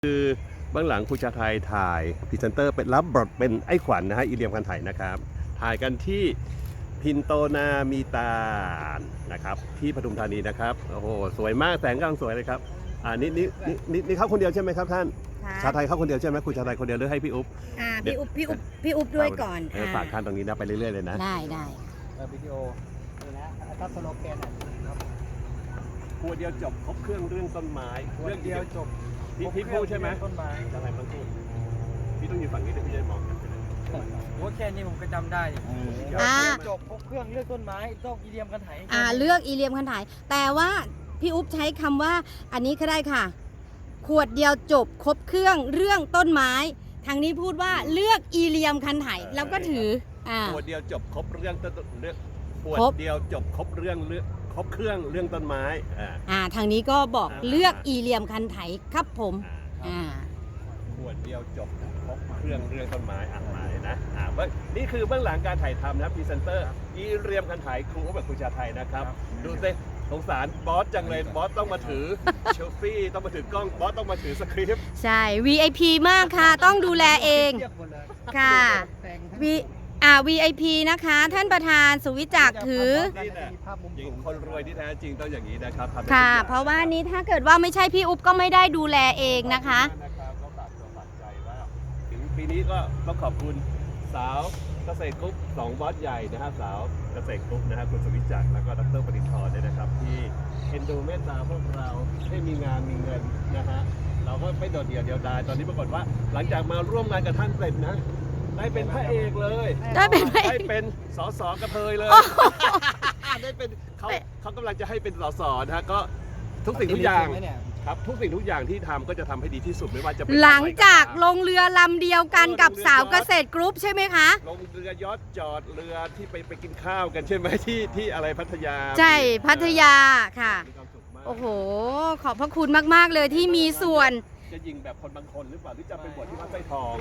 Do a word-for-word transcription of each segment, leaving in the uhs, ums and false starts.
คือเบื้องหลังครูชาไทยถ่ายพรีเซนเตอร์เป็นรับบทเป็นไอ้ขวัญ นะฮะอีเลียมคันไถนะครับถ่ายกันที่พินโตนามีตานะครับที่ปทุมธานีนะครับโอ้โหสวยมากแสงกำลังสวยเลยครับอ่านี่นี่นี่นี่นี่เข้าคนเดียวใช่ไหมครับท่านชาไทยเข้าคนเดียวใช่ไหมครูชาไทยคนเดียวหรือให้พี่อุ๊บอ่าพี่อุ๊บพี่อุ๊บพี่อุ๊บด้วยก่อนฝากท่านตรงนี้นะไปเรื่อยๆเลยนะได้ได้วิดีโอนี่นะถ้าสโลแกนครับครัวเดียวจบครบเครื่องเรื่องต้นไม้เรื่องเดียวจบพี่พี่พูดใช่ไหมต้นไม้อะไรมันพูดพี่ต้องอยู่ฝั่งนี้แต่พี่จะมองกันว่าแค่นี้ผมก็จำได้อ่าจบครบเครื่องเลือกต้นไม้ต้องอีเลียมกันไถอ่าเลือกอีเลียมคันไถแต่ว่าพี่อุ๊บใช้คำว่าอันนี้ก็ได้ค่ะขวดเดียวจบครบเครื่องเรื่องต้นไม้ทางนี้พูดว่าเลือกอีเลียมคันไถแล้วก็ถืออ่าขวดเดียวจบครบเรื่องต้นเรื่องขวดเดียวจบครบเรื่องเรื่องครบเครื่องเรื่องต้นไม้อ่าอ่าทางนี้ก็บอกเลือกอีเลียมคันไถครับผมอ่าขวดเดียวจบครบเครื่องเรื่องต้นไม้อ่านมาเลยนะอ่านี่คือเบื้องหลังการถ่ายทำนะพรีเซนเตอร์อีเลียมคันไถครูเขาแบบครูชาไทยนะครับดูสิสงสารบอสจังเลยบอสต้องมาถือเชลฟี่ต้องมาถือกล้องบอสต้องมาถือสคริปต์ใช่ วี ไอ พี มากค่ะต้องดูแลเองค่ะวีอ่า วี ไอ พี นะคะท่านประธานสุวิจักรถือคนรวยที่แท้จริงต้องอย่างนี้นะครับค่ะเพราะว่านี้ถ้าเกิดว่าไม่ใช่พี่อุ๊บก็ไม่ได้ดูแลเองนะคะก็ฝากตัวฝากใจว่าถึงปีนี้ก็ต้องขอบคุณสาวเกษตรกรุ๊ปสองบอสใหญ่นะฮะสาวเกษตรกรุ๊ปนะฮะคุณสุวิจักรแล้วก็ดรปรินทร์เนี่ยนะครับที่เอ็นดูเมตตาพวกเราให้มีงานมีเงินนะฮะเราก็ไม่โดดเดี่ยวเดียวดายตอนนี้ปรากฏว่าหลังจากมาร่วมงานกับท่านเสร็จนะได้เป็นพระเอกเลยได้เป็นได้เป็นสสกระเทยเลยได้เป็นเขาเขากำลังจะให้เป็นสสนะฮะก็ทุกสิ่งทุกอย่างครับทุกสิ่งทุกอย่างที่ทำก็จะทำให้ดีที่สุดไม่ว่าจะเป็นหลังจากลงเรือลำเดียวกันกับสาวเกษตรกรุ๊ปใช่ไหมคะลงเรือยอชต์จอดเรือที่ไปไปกินข้าวกันใช่ไหมที่ที่อะไรพัทยาใช่พัทยาค่ะโอ้โหขอบพระคุณมากๆเลยที่มีส่วนจะยิงแบบคนบางคนหรือเปล่าหรือจะไปบวชที่วัดไส้ทอง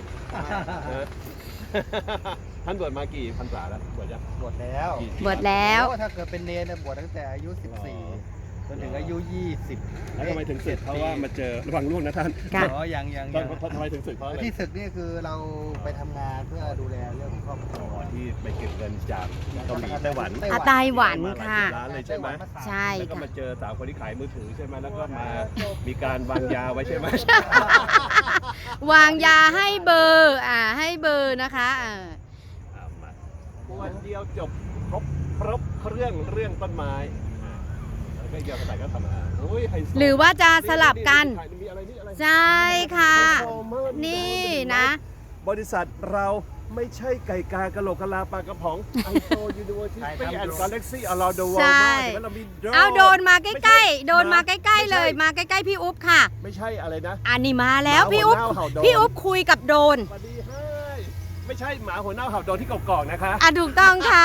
ท่านบวชมากี่พรรษาแล้วบวชยังบวชแล้วบวชแล้วถ้าเกิดเป็นเนรบวชตั้งแต่อายุสิบสี่จนถึงอายุยี่สิบแล้วทำไมถึงศึกเพราะว่ามาเจอระวังล่วงนะท่านอ๋อยังยังทำไมถึงศึกเพราะอะไรที่ศึกนี่คือเราไปทำงานเพื่อดูแลเรื่องครอบครัวที่ไปเก็บเงินจากเกาหลีไต้หวันอาไต้หวันค่ะร้านเลยใช่ไหมใช่แล้วก็มาเจอสาวคนที่ขายมือถือใช่ไหมแล้วก็มามีการวางยาไว้ใช่ไหมวางยาให้เบอร์อ่าให้เบอร์นะคะอ่าวันเดียวจบครบครบเรื่องเรื่องต้นไม้หรือว่าจะสลับกันใช่ค่ะนี่นะบริษัทเราไม่ใช่ไก่กากะโหลกกะลาปลากระป๋องไอโฟยูนิเวอร์ซิตี้แอนด์กาแล็กซี่อลาโดวอลมากแต่ว่าเรามีเอาโดนมาใกล้ๆโดนมาใกล้ๆเลยมาใกล้ๆพี่อุ๊บค่ะไม่ใช่อะไรนะอันนี้มาแล้วพี่อุ๊บพี่อุ๊บคุยกับโดนไม่ใช่หมาหัวเน่าเห่าโดนที่กอกๆนะคะอ่ะถูกต้องค่ะ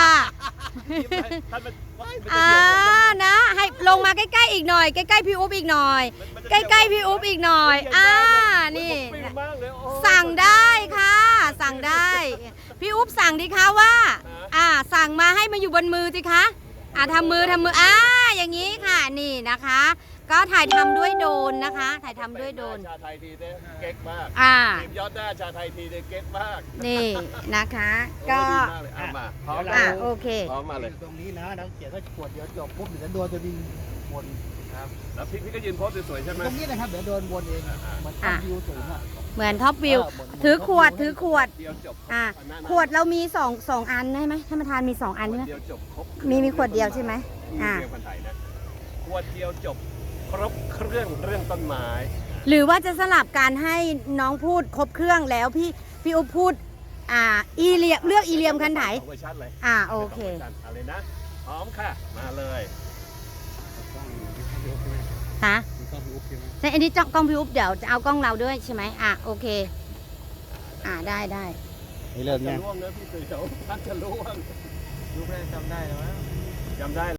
อ่านะให้ลงมาใกล้ๆอีกหน่อยใกล้ๆพี่อุ๊บอีกหน่อยใกล้ๆพี่อุ๊บอีกหน่อยอ่านี่สั่งได้ค่ะสั่งได้พี่อุ๊บสั่งดิคะว่าอ่าสั่งมาให้มาอยู่บนมือสิคะอ่าทำมือทำมืออ่าอย่างนี้ค่ะนี่นะคะก็ถ่ายทำด้วยโดนนะคะถ่ายทำด้วยโดนชาไทยทีเด้เก๊กมากอ่าทีมยอดหน้าชาไทยทีเด้เก๊กมากนี่นะคะก็มาพร้อมอ่าโอเคพร้อมมาเลยตรงนี้นะน้ำเขียนก็ขวดเดียวจบปุ๊บเดี๋ยวโดนจะมีวนครับแล้วพี่พี่ก็ยืนโพสสวยๆใช่ไหมตรงนี้นะครับเดี๋ยวโดนวนเองเหมือนท็อปวิวสูงอ่ะเหมือนท็อปวิวถือขวดถือขวดอ่าขวดเรามีสองสองอันใช่ไหมท่านประธานมีสองอันใช่ไหมมีมีขวดเดียวใช่ไหมอ่าขวดเดียวจบครบเครื่องเรื่องต้นไม้หรือว่าจะสลับการให้น้องพูดครบเครื่องแล้วพี่พี่อุ๊บพูดอ่าอีเลียเลือกอีเลียมคันไถอ่าโอเคอะไรนะพร้อมค่ะมาเลยฮะใช่อันนี้กล้องพี่อุ๊บเดี๋ยวจะเอากล้องเราด้วยใช่ไหมอ่ะโอเคอ่าได้ได้เริ่มเนี่ยล่วงนะพี่เสือท่านจะล่วงรู้ไหมจำได้หรือเปล่าจำได้